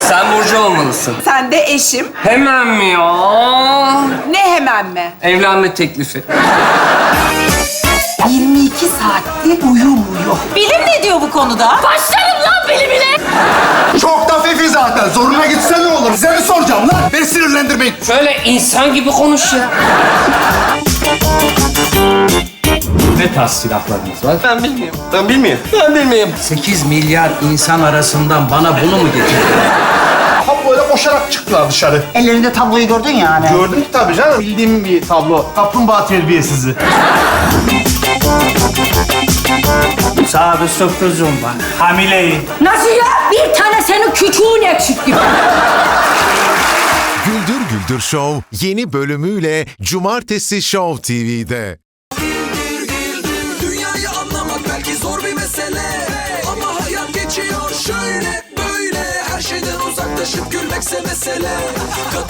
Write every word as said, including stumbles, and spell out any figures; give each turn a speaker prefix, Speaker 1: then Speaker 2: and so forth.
Speaker 1: Sen Burcu olmalısın.
Speaker 2: Sen de eşim.
Speaker 1: Hemen mi ya?
Speaker 2: Ne hemen mi?
Speaker 1: Evlenme teklifi.
Speaker 2: yirmi iki saattir uyumuyor.
Speaker 3: Bilim ne diyor bu konuda? Başlarım lan bilimine.
Speaker 4: Çok da fefi zaten. Zoruna gitse ne olur? Size mi soracağım lan? Beni sinirlendirmeyin.
Speaker 1: Şöyle insan gibi konuş ya.
Speaker 5: Ne tarz silahlarınız var?
Speaker 1: Ben bilmiyorum. Ben bilmiyorum. Ben bilmiyorum.
Speaker 5: sekiz milyar insan arasından bana bunu mu getirdin?
Speaker 4: Tam böyle koşarak çıktılar dışarı.
Speaker 6: Ellerinde tabloyu gördün ya hani.
Speaker 4: Gördüm ki tabii canım. Bildiğim bir tablo. Kaplumbağa terbiyesizi.
Speaker 7: Sağda sürprizim var. Hamileyim.
Speaker 3: Nasıl ya? Bir tane senin küçüğün eksik gibi.
Speaker 8: Güldür Güldür Show yeni bölümüyle Cumartesi Show T V'de.
Speaker 9: Dünyayı anlamak belki zor bir mesele, ama hayat geçiyor şöyle böyle. Her şeyden uzaklaşıp gülmekse mesele.